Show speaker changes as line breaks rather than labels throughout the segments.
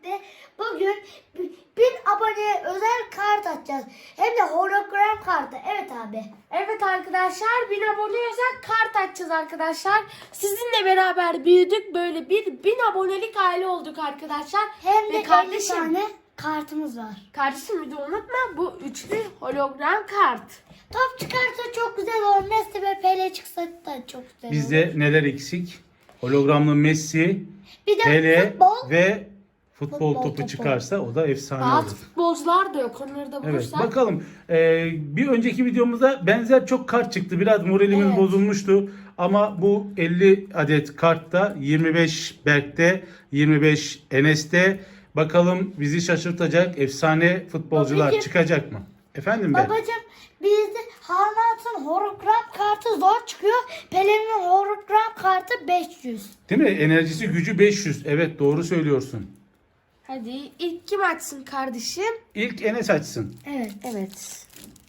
birlikte bugün 1000 aboneye özel kart açacağız. Hem de hologram kartı. Evet abi.
Evet arkadaşlar 1000 abone özel kart açacağız arkadaşlar. Sizinle beraber büyüdük. Böyle 1000 abonelik aile olduk arkadaşlar.
Hem de
Ve
50 tane kartımız var.
Kardeşim bir de unutma bu üçlü hologram kart.
Top çıkarsa çok güzel olur. Messi ve Pele çıksa da çok güzel olur.
Bizde neler eksik? Hologramlı Messi,
Bir de
Pele
futbol.
ve futbol
Futbol
topu
topu.
çıkarsa o da efsane
Bazı
olur.
futbolcular da yok. Onları da
Evet,
bulursak.
bakalım. Bir önceki videomuzda benzer çok kart çıktı. Biraz moralimiz
Evet.
bozulmuştu. Ama bu 50 adet kartta 25 Berk'te, 25 Enes'te. Bakalım bizi şaşırtacak efsane futbolcular
Babacım.
çıkacak mı? Efendim Berk?
Babacım bizde Haaland'ın hologram kartı zor çıkıyor. Pele'nin hologram kartı 500.
Değil mi? Enerjisi gücü 500. Evet, doğru söylüyorsun.
Hadi ilk kim açsın kardeşim?
İlk Enes açsın.
Evet.
Evet.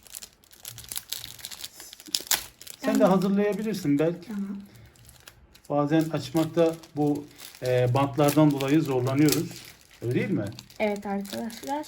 Sen de hazırlayabilirsin Berk.
Tamam.
Bazen açmakta bu bantlardan dolayı zorlanıyoruz. Öyle değil mi?
Evet arkadaşlar.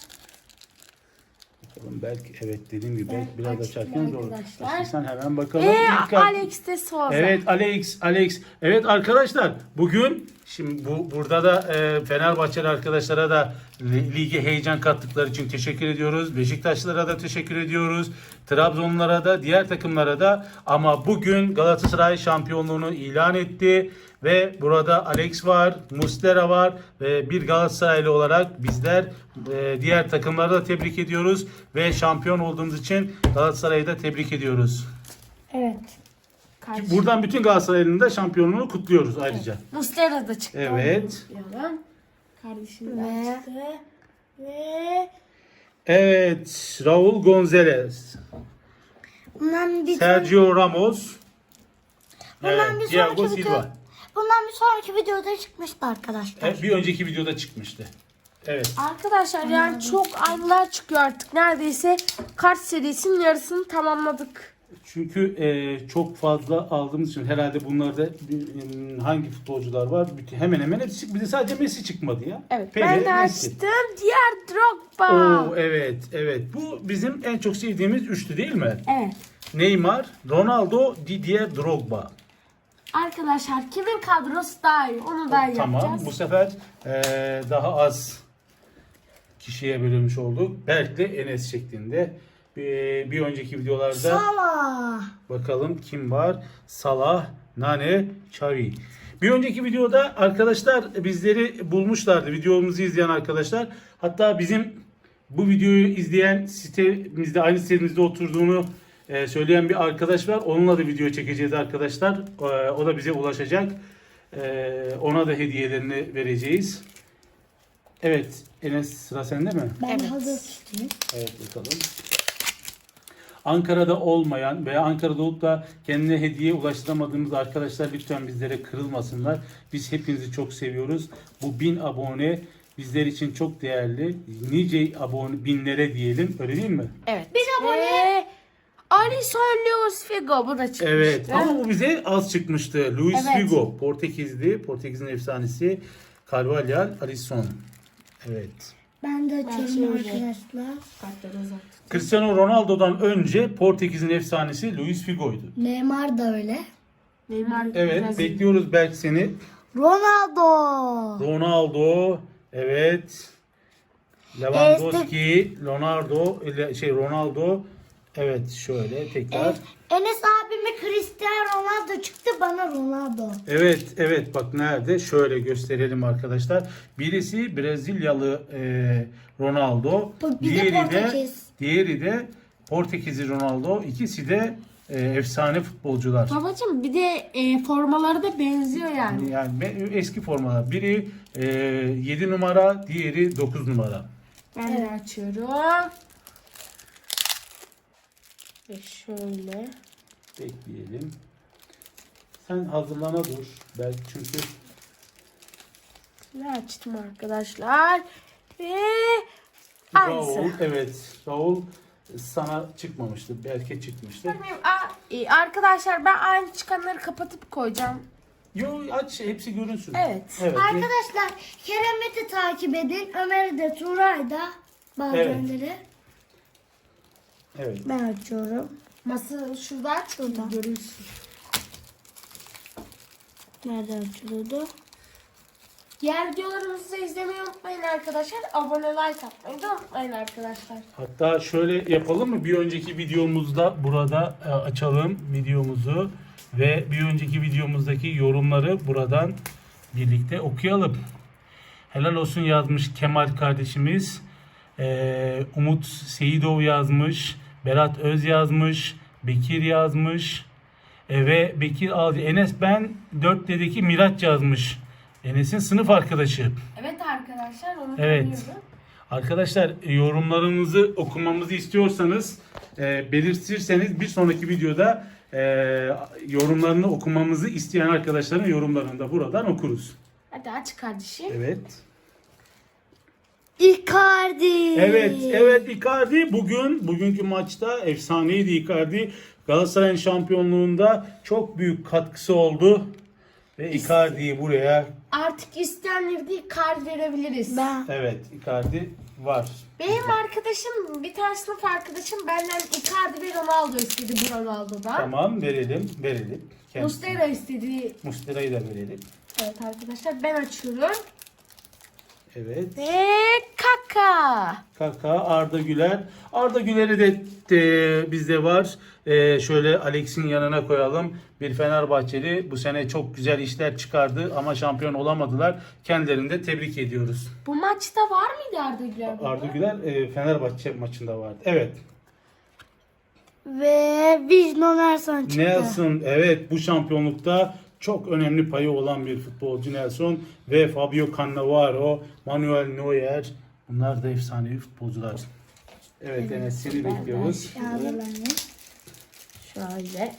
Bakalım Berk, evet dediğim gibi
Ben
Berk biraz
açtım
açarken zor.
arkadaşlar.
Açtıysan hemen bakalım. İlk kart-
Alex de Souza.
Evet Alex. Evet arkadaşlar bugün şimdi burada da Fenerbahçeli arkadaşlara da lige heyecan kattıkları için teşekkür ediyoruz. Beşiktaşlılara da teşekkür ediyoruz. Trabzonlulara da diğer takımlara da, ama bugün Galatasaray şampiyonluğunu ilan etti ve burada Alex var, Muslera var ve bir Galatasaraylı olarak bizler diğer takımları da tebrik ediyoruz ve şampiyon olduğumuz için Galatasaray'ı da tebrik ediyoruz.
Evet.
Kardeşim.
Buradan bütün Galatasaray'ın da şampiyonluğunu kutluyoruz ayrıca.
Muslera da çıktı.
Evet.
Onu kutlayalım. Kardeşim de
Ve-
açtı. Ve
Evet, Raul Gonzalez,
Bundan bir
Sergio Ramos,
Bundan bir
Thiago
sonraki video,
Silva.
bundan bir sonraki videoda çıkmıştı arkadaşlar.
Bir önceki videoda çıkmıştı. Evet.
arkadaşlar yani çok anılar çıkıyor artık. Neredeyse kart serisinin yarısını tamamladık.
Çünkü çok fazla aldığımız için herhalde bunlarda hangi futbolcular var? Hemen hemen hepsi çıktı. Bir de sadece Messi çıkmadı ya.
Evet
Pele,
ben de
Messi.
açtım. Diğer Drogba.
Oo, evet. Bu bizim en çok sevdiğimiz üçlü değil mi?
Evet.
Neymar, Ronaldo, Didier Drogba.
Arkadaşlar kimin kadrosu daha iyi onu da
Tamam.
yapacağız.
Bu sefer daha az kişiye bölünmüş olduk. Berk'le Enes şeklinde. Bir önceki videolarda
Salah.
bakalım kim var? Salah, Nane, Xavi. Bir önceki videoda arkadaşlar bizleri bulmuşlardı. Videomuzu izleyen arkadaşlar. Hatta bizim bu videoyu izleyen sitemizde, aynı sitemizde oturduğunu söyleyen bir arkadaş var. Onunla da video çekeceğiz arkadaşlar. O da bize ulaşacak. Ona da hediyelerini vereceğiz. Evet Enes, sıra sende mi?
Ben
Evet.
hazır tutayım.
Evet, bakalım. Ankara'da olmayan veya Ankara'da olup da kendine hediye ulaştıramadığımız arkadaşlar lütfen bizlere kırılmasınlar. Biz hepinizi çok seviyoruz. Bu 1000 abone bizler için çok değerli. Nice abone, binlere diyelim. Öyle değil mi?
Evet.
Bir abone.
Ve Alisson Luis Figo bu da çıkmıştı.
Evet. Ama bu bize az çıkmıştı. Luis
Evet.
Figo, Portekizli. Portekiz'in efsanesi. Carvalhal, Alisson. Evet.
Ben de açıyorum
şöyle.
arkadaşlar.
Kartları uzat.
Cristiano Ronaldo'dan önce Portekiz'in efsanesi Luis Figo'ydu.
Neymar da öyle.
Neymar
Evet,
biraz-
bekliyoruz belki seni.
Ronaldo.
Ronaldo, evet. Lewandowski, Ronaldo. Evet, şöyle tekrar.
Enes abime Cristiano Ronaldo çıktı, bana Ronaldo.
Evet, bak nerede? Şöyle gösterelim arkadaşlar. Birisi Brezilyalı Ronaldo,
Bir de Portekiz.
diğeri de Portekizli Ronaldo. İkisi de efsane futbolcular.
Babacım bir de formaları da benziyor yani.
Yani eski formalar. Biri 7 numara, diğeri 9 numara.
Ben de açıyorum. Ve şöyle.
Bekleyelim. Sen hazırlana dur. Belki çünkü
Ne açtım arkadaşlar. Ve
Raul,
aynısı.
evet. Raul sana çıkmamıştı. Belki çıkmıştı.
Arkadaşlar ben aynı çıkanları kapatıp koyacağım.
Yo, aç hepsi görünsün.
Evet.
Arkadaşlar Kerem'i takip edin. Ömer'i de Turay'ı da bazenleri.
Evet.
Ben açıyorum.
Masa şurada aç. Şurada. Görünsün.
Nerede açılıyordu?
Diğer videolarımızı da izlemeyi unutmayın arkadaşlar. Abone, like atmayı da unutmayın arkadaşlar.
Hatta şöyle yapalım mı? Bir önceki videomuzda burada açalım videomuzu ve bir önceki videomuzdaki yorumları buradan birlikte okuyalım. Helal olsun yazmış Kemal kardeşimiz. Umut Seyidov yazmış. Berat Öz yazmış. Bekir yazmış. Ve Bekir Alcı. Enes ben 4'teki Miraç yazmış. Enes'in sınıf arkadaşı.
Evet arkadaşlar onu
Evet.
tanıyorum.
Arkadaşlar yorumlarınızı okumamızı istiyorsanız belirtirseniz bir sonraki videoda yorumlarını okumamızı isteyen arkadaşların yorumlarını da buradan okuruz.
Hadi aç kardeşim.
Evet.
Icardi.
Evet Icardi bugünkü maçta efsaneydi Icardi. Galatasaray'ın şampiyonluğunda çok büyük katkısı oldu ve Icardi'yi buraya
Artık isteyenleri değil kart verebiliriz.
evet Icardi var.
Benim arkadaşım, bir tane sınıf arkadaşım benden Icardi ve Ronaldo istedi bu Ronaldo'dan.
Tamam verelim. Kendisine.
Muslera istedi.
Muslera'yı da verelim.
Evet arkadaşlar ben açıyorum.
Evet.
Ve Kaka.
Kaka, Arda Güler. Arda Güler'i de bizde var. Şöyle Alex'in yanına koyalım. Bir Fenerbahçeli bu sene çok güzel işler çıkardı ama şampiyon olamadılar. Kendilerini de tebrik ediyoruz.
Bu maçta var mıydı Arda Güler? burada?
Arda Güler Fenerbahçe maçında vardı. Evet.
Ve Viznon Ersan çıktı.
Nelson evet bu şampiyonlukta çok önemli payı olan bir futbolcu Nelson ve Fabio Cannavaro, Manuel Neuer. Bunlar da efsanevi futbolcular. Evet Enes seni bekliyoruz.
Şöyle.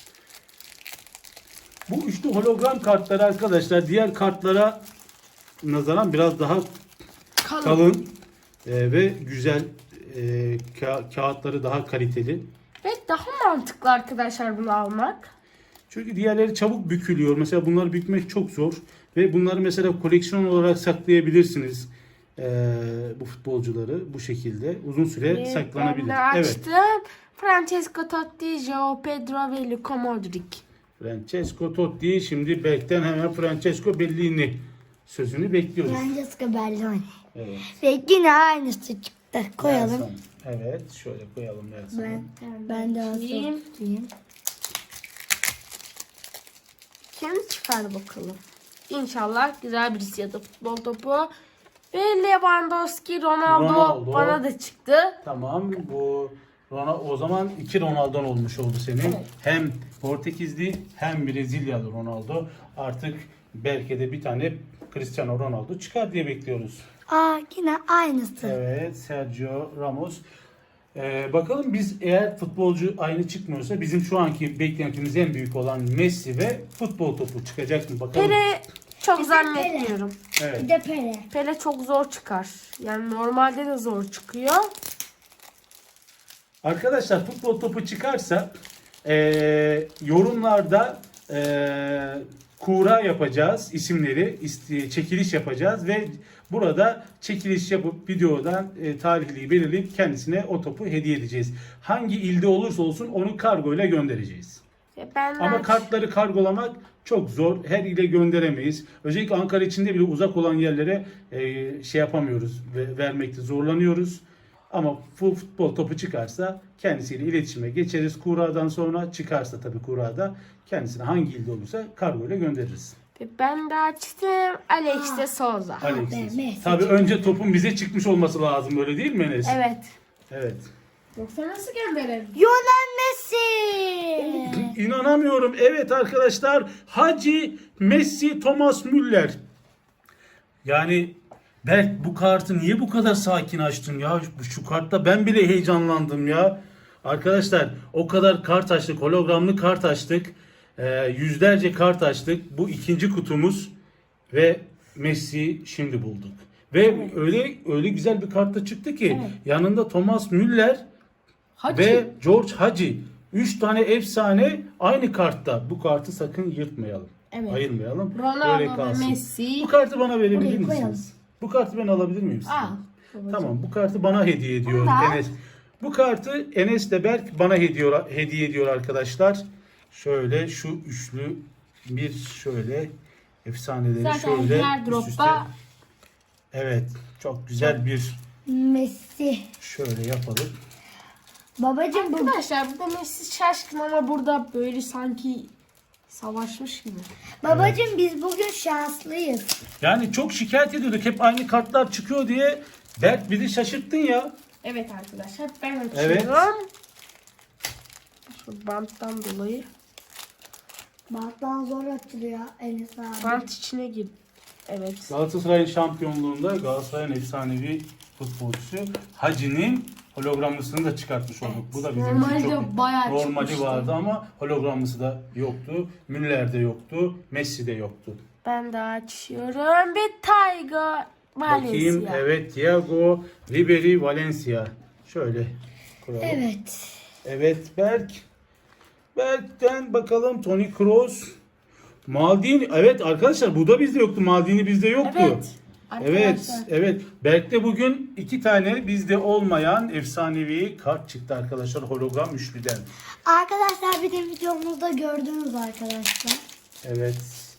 Bu üçlü hologram kartları arkadaşlar diğer kartlara nazaran biraz daha kalın ve güzel kağıtları daha kaliteli.
Ve daha mantıklı arkadaşlar bunu almak.
Çünkü diğerleri çabuk bükülüyor. Mesela bunları bükmek çok zor ve bunları mesela koleksiyon olarak saklayabilirsiniz. Bu futbolcuları bu şekilde uzun süre saklanabilir.
Ben de
Evet.
açtım. Francesco Totti, Joao Pedro ve Luka Modric.
Francesco Totti şimdi Berk'ten hemen Francesco Bellini sözünü bekliyoruz.
Francesco Belloni.
Evet.
Ve yine aynısı çıktı. Koyalım.
Nelson. Evet şöyle koyalım Nelson'u.
Ben de
Açayım.
açayım.
Kim çıkar bakalım. İnşallah güzel birisi ya da futbol topu. Ve Lewandowski, Ronaldo bana da çıktı.
Tamam bu o zaman iki Ronaldo'n olmuş oldu senin.
Evet.
Hem Portekizli hem Brezilyalı Ronaldo. Artık belki de bir tane Cristiano Ronaldo çıkar diye bekliyoruz.
Yine aynısı.
Evet Sergio Ramos. Bakalım biz eğer futbolcu aynı çıkmıyorsa bizim şu anki beklentimiz en büyük olan Messi ve futbol topu çıkacak mı bakalım.
Pele çok zannetmiyorum.
Evet.
Bir de Pele.
Pele çok zor çıkar. Yani normalde de zor çıkıyor.
Arkadaşlar futbol topu çıkarsa yorumlarda kura yapacağız isimleri çekiliş yapacağız ve burada çekiliş yapıp videodan tarihliği belirleyip kendisine o topu hediye edeceğiz. Hangi ilde olursa olsun onu kargo ile göndereceğiz. Ama kartları kargolamak çok zor. Her ile gönderemeyiz. Özellikle Ankara içinde bile uzak olan yerlere şey yapamıyoruz ve vermekte zorlanıyoruz. Ama futbol topu çıkarsa kendisiyle iletişime geçeriz. Kura'dan sonra çıkarsa tabii Kura'da kendisine hangi ilde olursa kargo ile göndeririz.
Ben de açtım. Alex de Souza.
Alexis.
Messi.
Tabii önce topun bize çıkmış olması lazım öyle değil mi Enes?
Evet.
Evet.
Yoksa nasıl gönderelim?
Lionel Messi.
İnanamıyorum. Evet arkadaşlar Hacı Messi Thomas Müller. Yani Berk bu kartı niye bu kadar sakin açtın ya? Şu kartta ben bile heyecanlandım ya. Arkadaşlar o kadar kart açtık. Hologramlı kart açtık. Yüzlerce kart açtık. Bu ikinci kutumuz ve Messi şimdi bulduk. Ve öyle güzel bir kart da çıktı ki yanında Thomas Müller ve George Hagi. 3 tane efsane aynı kartta. Bu kartı sakın yırtmayalım.
Evet.
Ayırmayalım.
Ronaldo
Böyle
ve
kalsın.
Messi.
Bu kartı bana verebilir
Buraya koyalım.
misiniz? Bu kartı ben alabilir miyim sizden?
Al. babacığım.
Tamam, bu kartı bana hediye ediyor
Bunu da al.
Enes. Bu kartı Enes de Berk bana hediye ediyor arkadaşlar. Şöyle şu üçlü bir şöyle efsaneleri
Zaten
şöyle
her
üst üste.
dropta
Evet, çok güzel bir
Messi.
şöyle yapalım.
Babacım bu
arkadaşlar burada Messi şaşkın ama burada böyle sanki savaşmış gibi.
babacım biz bugün şanslıyız.
Yani çok şikayet ediyorduk. Hep aynı kartlar çıkıyor diye. Berk bizi şaşırttın ya.
Evet arkadaşlar ben açıyorum.
Evet.
Şu banttan dolayı.
Banttan zor açılıyor Enes abi.
Bant içine gir. Evet.
Galatasaray'ın şampiyonluğunda Galatasaray'ın efsanevi futbolcusu Hacı'nin hologramlısını da çıkartmış olduk. Bu da bizim için
Normalde
çok
bayağı
normali
çıkmıştı.
vardı ama hologramlısı da yoktu. Müller de yoktu. Messi de yoktu.
Ben de açıyorum. Bir Tiger Valencia.
Bakayım, evet, Thiago Ribery Valencia. Şöyle koyalım.
Evet.
Evet, Berk'ten bakalım Toni Kroos. Maldini. Evet arkadaşlar, bu da bizde yoktu. Maldini bizde yoktu.
Evet.
Evet,
Arkadaşlar.
evet. Berk'te bugün 2 tane bizde olmayan efsanevi kart çıktı arkadaşlar, hologram üçlüden.
Arkadaşlar bir de videomuzda gördünüz arkadaşlar.
Evet.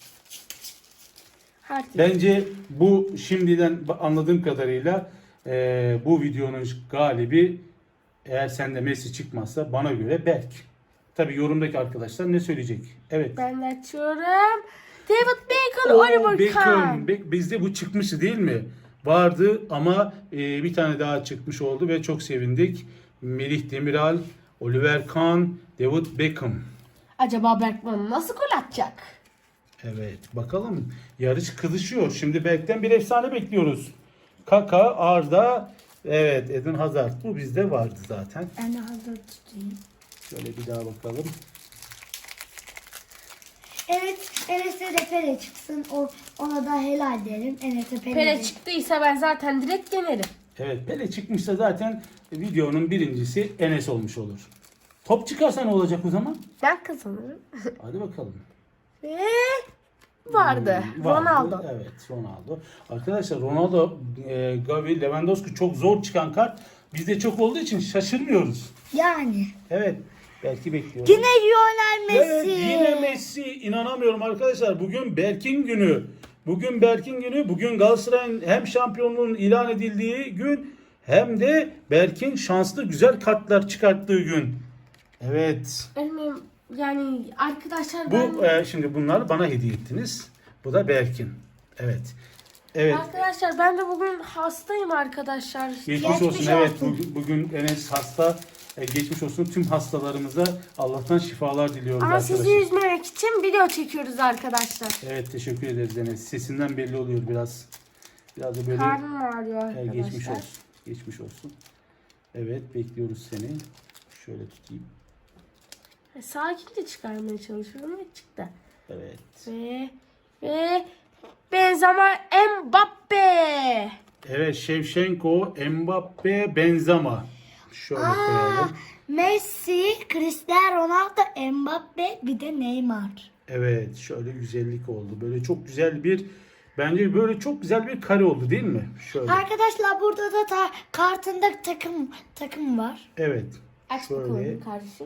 Hadi.
Bence bu şimdiden anladığım kadarıyla bu videonun galibi, eğer sende Messi çıkmazsa, bana göre Berk. Tabii yorumdaki arkadaşlar ne söyleyecek? Evet.
Ben de açıyorum. David Beckham,
Oo,
Oliver Kahn.
Bizde bu çıkmıştı değil mi? Vardı ama bir tane daha çıkmış oldu ve çok sevindik. Melih Demiral, Oliver Kahn, David Beckham.
Acaba Berkman nasıl gol atacak?
Evet, bakalım. Yarış kızışıyor. Şimdi Berk'ten bir efsane bekliyoruz. Kaka, Arda, evet, Eden Hazard. Bu bizde vardı zaten.
Ben de hazır tutayım.
Şöyle bir daha bakalım.
Evet, Enes'e de Pele çıksın. Ona da helal derim. Enes'e Pele.
Pele çıktıysa ben zaten direkt yenerim.
Evet, Pele çıkmışsa zaten videonun birincisi Enes olmuş olur. Top çıkarsa ne olacak o zaman?
Ben kazanırım.
Hadi bakalım.
Ve vardı. Ronaldo.
Evet, Ronaldo. Arkadaşlar Ronaldo, Gavi, Lewandowski çok zor çıkan kart. Bizde çok olduğu için şaşırmıyoruz.
Yani.
Evet. Belki bekliyoruz.
Yine Lionel Messi.
Evet, yine Messi. İnanamıyorum arkadaşlar. Bugün Berk'in günü. Bugün Berk'in günü. Bugün Galatasaray'ın hem şampiyonluğun ilan edildiği gün hem de Berk'in şanslı güzel kartlar çıkarttığı gün. Evet.
Benim yani arkadaşlar
Bu
ben...
şimdi bunları bana hediye ettiniz. Bu da Berk'in. Evet. Evet.
Arkadaşlar ben de bugün hastayım arkadaşlar.
Geçmiş
Geçmiş
olsun. Evet,
olsun.
bugün Enes hasta. Geçmiş olsun. Tüm hastalarımıza Allah'tan şifalar diliyoruz
Ama
arkadaşlar.
sizi üzmemek için video çekiyoruz arkadaşlar.
Evet, teşekkür ederiz Enes. Sesinden belli oluyor biraz. Biraz da böyle
Karnım ağrıyor arkadaşlar.
geçmiş olsun. Geçmiş olsun. Evet, bekliyoruz seni. Şöyle tutayım.
Sakince çıkarmaya çalışıyorum ve çıktı.
Evet.
Ve Benzema Mbappe.
Evet, Shevchenko, Mbappe, Benzema. Şöyle koyalım.
Messi, Cristiano Ronaldo, Mbappe, bir de Neymar.
Evet, şöyle güzellik oldu. Böyle çok güzel bir, bence böyle çok güzel bir kare oldu değil mi? Şöyle.
Arkadaşlar burada da kartında takım var.
Evet.
Aç
Şöyle.
bakalım kardeşim.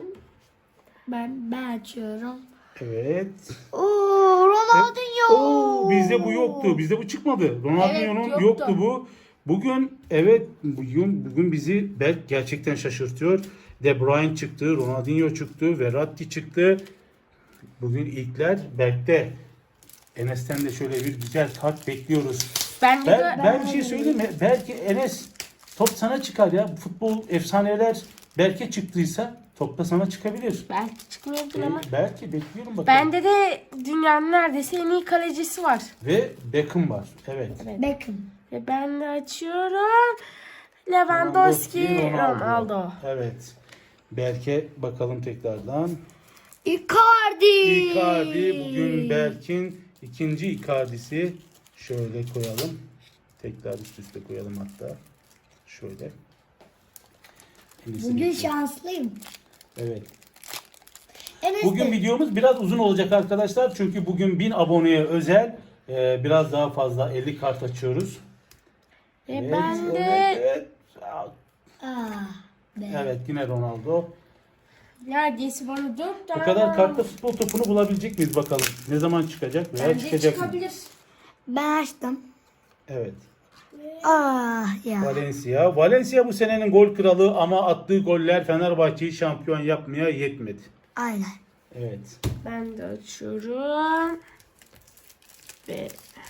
Ben açıyorum.
Evet.
Oo, Ronaldinho.
Oo, bizde bu yoktu. Bizde bu çıkmadı. Ronaldinho'nun
Evet,
yoktu.
yoktu
Bu. Bugün evet, bugün bizi Berk gerçekten şaşırtıyor. De Bruyne çıktı, Ronaldinho çıktı, Verratti çıktı. Bugün ilkler Berk'te. Enes'ten de şöyle bir güzel kart bekliyoruz. Ben bir şey söyleyeyim mi? Belki Enes, top sana çıkar ya. Futbol efsaneler Berk'e çıktıysa top da sana çıkabilir.
Belki çıkmayabilir ama.
Belki bekliyorum bakalım.
Bende de dünyanın neredeyse en iyi kalecisi var.
Ve Beckham var. Evet.
Beckham.
Ve ben de açıyorum. Lewandowski, Ronaldo.
Evet. Berk'e bakalım tekrardan.
Icardi.
Icardi bugün Berk'in ikinci Icardi'si. Şöyle koyalım. Tekrar üst üste koyalım hatta. Şöyle.
Bugün şanslıyım.
Evet.
Enes
Bugün
de.
videomuz biraz uzun olacak arkadaşlar. Çünkü bugün 1000 aboneye özel biraz daha fazla 50 kart açıyoruz.
Ben de
Evet.
Be.
Evet yine Ronaldo.
neredeyse bana 4 tane
Bu kadar kartta futbol topunu bulabilecek miyiz bakalım. Ne zaman çıkacak veya
bence
çıkacak mı?
çıkabilir.
Ben açtım.
Evet.
Ya.
Valencia. Valencia bu senenin gol kralı ama attığı goller Fenerbahçe'yi şampiyon yapmaya yetmedi.
Aynen.
Evet.
Ben de açıyorum. Ve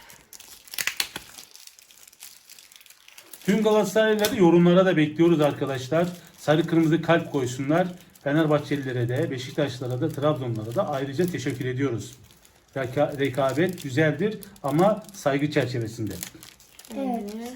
Tüm Galatasaraylıları yorumlara da bekliyoruz arkadaşlar. Sarı kırmızı kalp koysunlar. Fenerbahçelilere de, Beşiktaşlara da, Trabzonlara da ayrıca teşekkür ediyoruz. Rekabet güzeldir ama saygı çerçevesinde.
Evet.
şöyle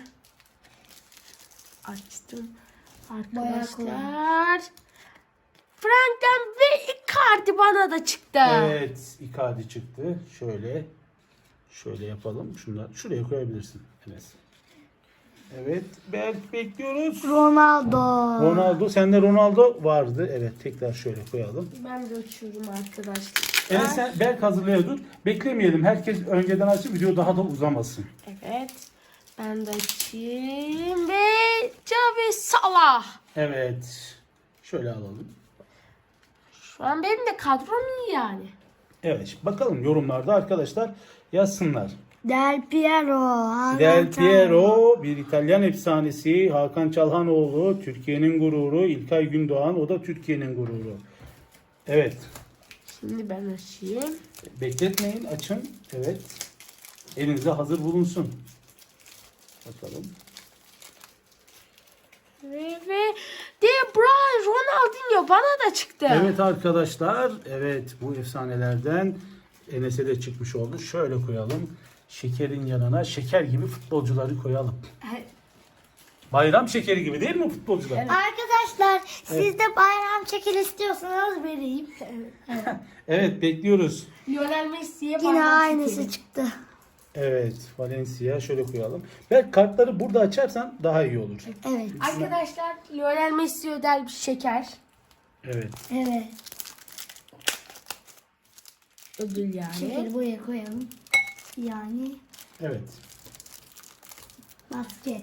açtım.
Bayağı kolay.
Arkadaşlar. Frank'ten ve Icardi bana da çıktı.
Evet, Icardi çıktı. Şöyle yapalım. Şunlar şuraya koyabilirsin Enes. Evet, bekliyoruz.
Ronaldo.
Ronaldo, sende Ronaldo vardı. Evet, tekrar şöyle koyalım.
Ben de açıyorum arkadaşlar.
Enes sen Berk hazırlaya dur. Beklemeyelim. Herkes önceden açsın. Video daha da uzamasın.
Evet. Ben de açayım ve Xavi Salah.
Evet. Şöyle alalım.
Şu an benim de kadrom iyi yani.
Evet, şimdi bakalım yorumlarda arkadaşlar yazsınlar.
Del Piero. Hakan
Del
Çalhanoğlu.
Piero bir İtalyan efsanesi. Hakan Çalhanoğlu Türkiye'nin gururu. İlkay Gündoğan o da Türkiye'nin gururu. Evet.
Şimdi ben açayım.
Bekletmeyin, açın. Evet. Elinizde hazır bulunsun. Bakalım.
Ve De Bruyne, Ronaldinho bana da çıktı.
Evet arkadaşlar. Evet, bu efsanelerden Enes'e de çıkmış oldu. Şöyle koyalım. Şekerin yanına şeker gibi futbolcuları koyalım. Bayram şekeri gibi değil mi futbolcular?
Arkadaşlar siz de bayram çekil istiyorsanız vereyim.
Evet, bekliyoruz.
Lionel Messi'ye
Yine
parmak
aynısı
çekelim.
çıktı.
Evet, Valencia şöyle koyalım. Belki kartları burada açarsan daha iyi olur.
Evet.
Arkadaşlar Lionel Messi ödel bir şeker.
Evet.
Evet.
Ödül yani.
Şekeri buraya koyalım. Yani
Evet.
basket.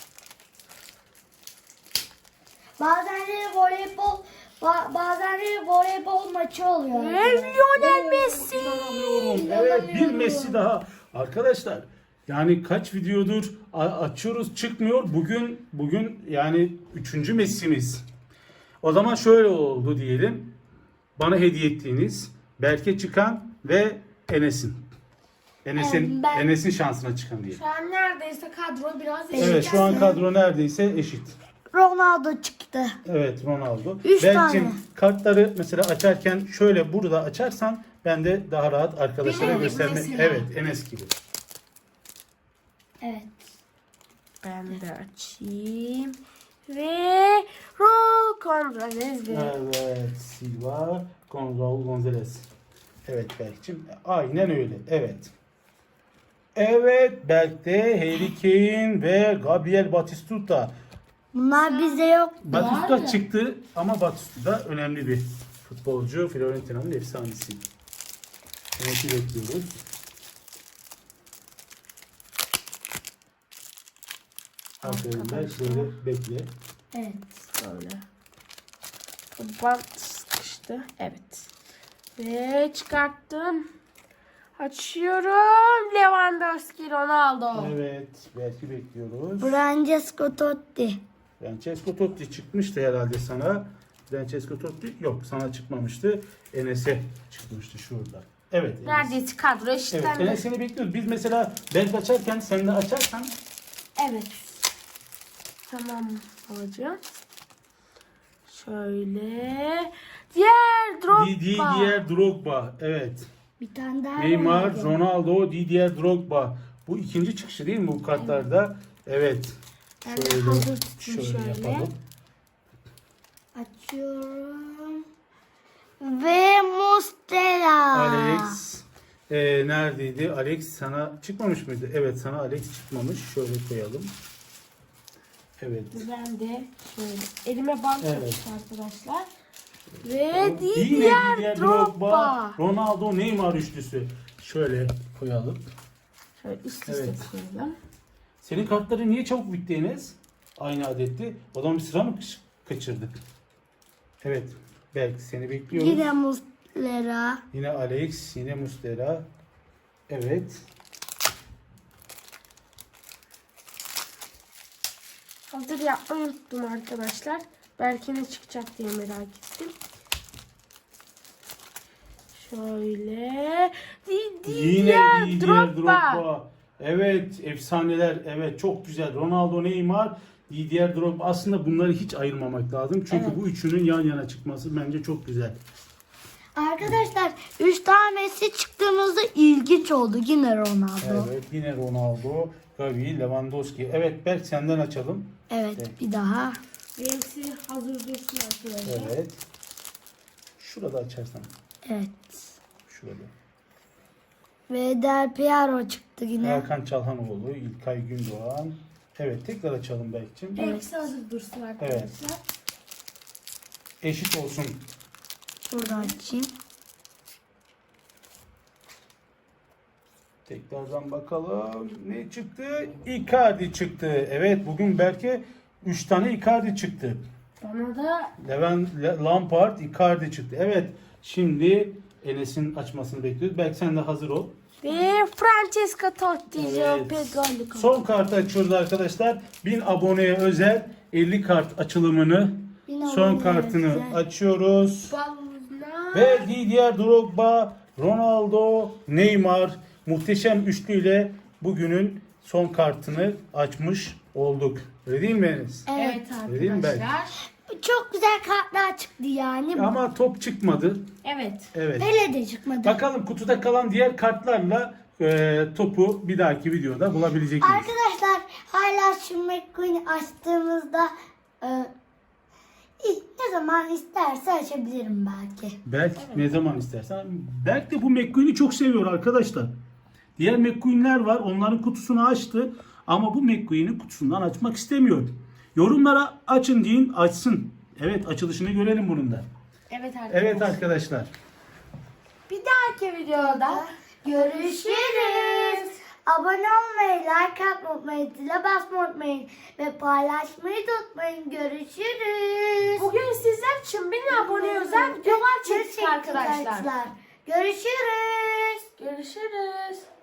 Bazenleri voleybol bazenleri voleybol maçı oluyor.
Ve Lionel Messi.
Evet, bir Messi daha. Arkadaşlar, yani kaç videodur açıyoruz çıkmıyor. Bugün yani 3. Messi'miz. O zaman şöyle oldu diyelim. Bana hediye ettiğiniz Berke çıkan ve Enes'in.
Ben-
Enes'in şansına çıkan diyelim.
Şu an neredeyse kadro biraz eşit.
Evet, şu an kadro neredeyse eşit.
Ronaldo çıktı.
Evet, Ronaldo.
3
Berk'cim
tane.
kartları mesela açarken şöyle burada açarsan ben de daha rahat arkadaşlara
Benim gibi
göstermek.
mesela.
Evet, Enes gibi.
Evet.
Ben de açayım. Ve Raul Gonzalez.
Evet, Silva, Raul Gonzalez. Evet Berk'cim, aynen öyle. Evet. Evet, Berk'te Harry Kane ve Gabriel Batistuta.
Bunlar bizde yok.
Batistuta
Var ya.
çıktı ama Batistuta önemli bir futbolcu. Fiorentina'nın efsanesi. Enes'i bekliyoruz. Aferin Berk, böyle bekle.
Evet.
Böyle. Bant sıkıştı. Evet. Ve çıkarttım. Açıyorum. Lewandowski, Ronaldo.
Evet, belki bekliyoruz.
Francesco Totti.
Francesco Totti çıkmıştı herhalde sana. Francesco Totti yok, sana çıkmamıştı. Enes'e çıkmıştı şurada. Evet. Enes.
Neredeyse kadro
Evet,
eşitlendi.
Enes seni bekliyoruz. Biz mesela Berk açarken sen de açarsan
Evet. Tamam hocam. Şöyle. Diğer Drogba.
Didier Drogba. Evet.
Bir tane daha
Neymar,
Ronaldo.
Ronaldo, Didier Drogba. Bu ikinci çıkışı değil mi bu kartlarda? Evet.
Ben de
Şöyle,
hazır tutayım şöyle.
yapalım.
Açıyorum. Ve Mustera.
Alex neredeydi? Alex sana çıkmamış mıydı? Evet, sana Alex çıkmamış. Şöyle koyalım. Evet.
Ben de şöyle elime bant
Evet.
yapıştı arkadaşlar. Ve
Yine
Didier Drogba.
Ronaldo, Neymar üçlüsü. Şöyle koyalım.
Şöyle üst üste
Evet.
koyalım.
Senin kartların niye çabuk bitti Enes? Aynı adetti. O zaman bir sıra mı kaçırdık? Evet. Belki seni bekliyoruz.
Yine Muslera.
Yine Alex, yine Muslera. Evet.
Hazır yapmayı unuttum arkadaşlar. Belki ne çıkacak diye merak ettim. Şöyle.
Yine
Didier
Drogba.
Drogba.
Evet, efsaneler. Evet, çok güzel. Ronaldo, Neymar, Didier Drogba. Aslında bunları hiç ayırmamak lazım. Çünkü
Evet.
bu üçünün yan yana çıkması bence çok güzel.
Arkadaşlar 3 tanesi çıktığımızda ilginç oldu. Yine Ronaldo.
Evet, yine Ronaldo, Gavi, Lewandowski. Evet, Berk senden açalım.
Evet, bir daha.
Benimsi hazır dursun arkadaşlar.
Evet. Şurada açarsan.
Evet.
Şurada.
Ve Del Piero çıktı yine.
Hakan Çalhanoğlu, İlkay Gündoğan. Evet, tekrar açalım Berk'cim.
Benimsi hazır dursun arkadaşlar.
Eşit olsun.
Burada açayım.
Tekrardan bakalım. Ne çıktı? Icardi çıktı. Evet, bugün Berk'e 3 tane Icardi çıktı.
Bana da
Lampard, Icardi çıktı. Evet, şimdi Enes'in açmasını bekliyoruz. Berk sen de hazır ol.
ve Francesco Totti,
Evet.
Pedro.
Son kartı açıyoruz arkadaşlar. 1000 aboneye özel 50 kart açılımını,
1000
son
aboneye
kartını
özel.
açıyoruz.
Balına.
Ve Didier Drogba, Ronaldo, Neymar muhteşem üçlüyle bugünün son kartını açmış olduk. Öyle değil mi Enes?
Evet
Vereyim mi Berk?
arkadaşlar.
Çok güzel kartlar çıktı yani.
Ama top çıkmadı.
Evet.
Evet.
Pele de çıkmadı.
Bakalım kutuda kalan diğer kartlarla topu bir dahaki videoda bulabilecek miyiz?
Arkadaşlar hala şu McQueen'i açtığımızda ne zaman isterse açabilirim belki.
Berk ne zaman istersen. Berk de bu McQueen'i çok seviyor arkadaşlar. Diğer McQueen'ler var. Onların kutusunu açtı. Ama bu McQueen'i kutusundan açmak istemiyor. Yorumlara açın deyin, açsın. Evet, açılışını görelim bunun da.
Evet arkadaşlar.
Evet arkadaşlar.
Bir dahaki videoda
Görüşürüz. Abone olmayı, like atmayı unutmayın, zile basmayı unutmayın ve paylaşmayı da unutmayın. Görüşürüz.
bugün sizler için 1000 abone özel videolar çektik arkadaşlar.
Görüşürüz.
Görüşürüz.